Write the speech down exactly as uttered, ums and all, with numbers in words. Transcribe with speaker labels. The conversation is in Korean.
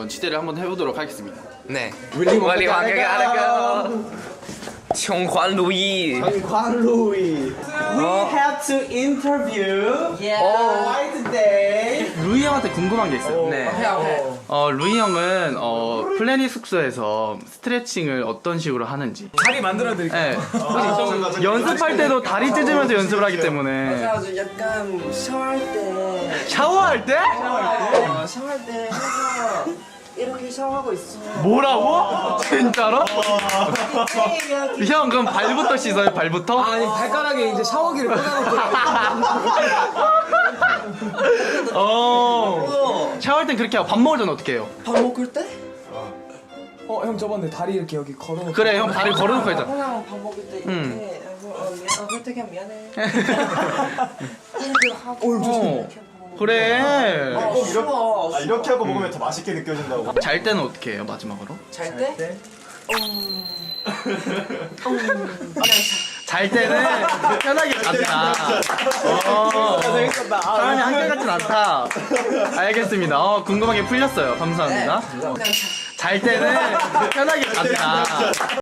Speaker 1: 치대를 한번 해보도록 하겠습니다.
Speaker 2: 네. 원리 왕에게 하라고. 청환루이.
Speaker 3: 관루이. We have to interview. Why today?
Speaker 1: 루이 형한테 궁금한 게 있어요.
Speaker 2: 네.
Speaker 1: 어, 루이 형은 어, 플래닛 숙소에서 스트레칭을 어떤 식으로 하는지.
Speaker 4: 다리 만들어 드릴게요.
Speaker 1: 네. 혹시 연습할 때도 다리 찢으면서 연습을 하기 때문에.
Speaker 5: 그래가지고 약간 샤워할 때
Speaker 1: 샤워할 때?
Speaker 5: 어, 샤워할 때 항상 이렇게 샤워하고 있어.
Speaker 1: 뭐라고? 진짜로? 형 그럼 발부터 씻어요? 발부터?
Speaker 4: 아니 발가락에 이제 샤워기를 꽂아놓고
Speaker 1: 어. 샤워할 땐 그렇게 하고 밥 먹을 땐 어떻게 해요?
Speaker 5: 밥 먹을 때?
Speaker 4: 어 형 저번에 다리 이렇게 여기 걸어놓고
Speaker 1: 그래 형 다리 걸어놓고 했잖아.
Speaker 5: 항상 밥 먹을 때 이렇게
Speaker 1: 음.
Speaker 5: 어, 미안, 어, 그럴 때 그냥 미안해. 이렇게 하고
Speaker 1: 어.
Speaker 5: 이렇게 밥 먹고.
Speaker 1: 그래.
Speaker 5: 어, 추워.
Speaker 3: 아, 이렇게 하고 먹으면 더 맛있게 느껴진다고.
Speaker 1: 잘 때는 어떻게 해요 마지막으로?
Speaker 5: 잘 때?
Speaker 4: 때?
Speaker 5: 음. 음.
Speaker 1: 잘 때는 편하게 간다. 어.
Speaker 4: 재밌었다.
Speaker 1: 사람이 한결같진 않다. 알겠습니다. 어, 궁금한 게 풀렸어요. 감사합니다.
Speaker 5: 그냥 자.
Speaker 1: 잘 때는 편하게 간다.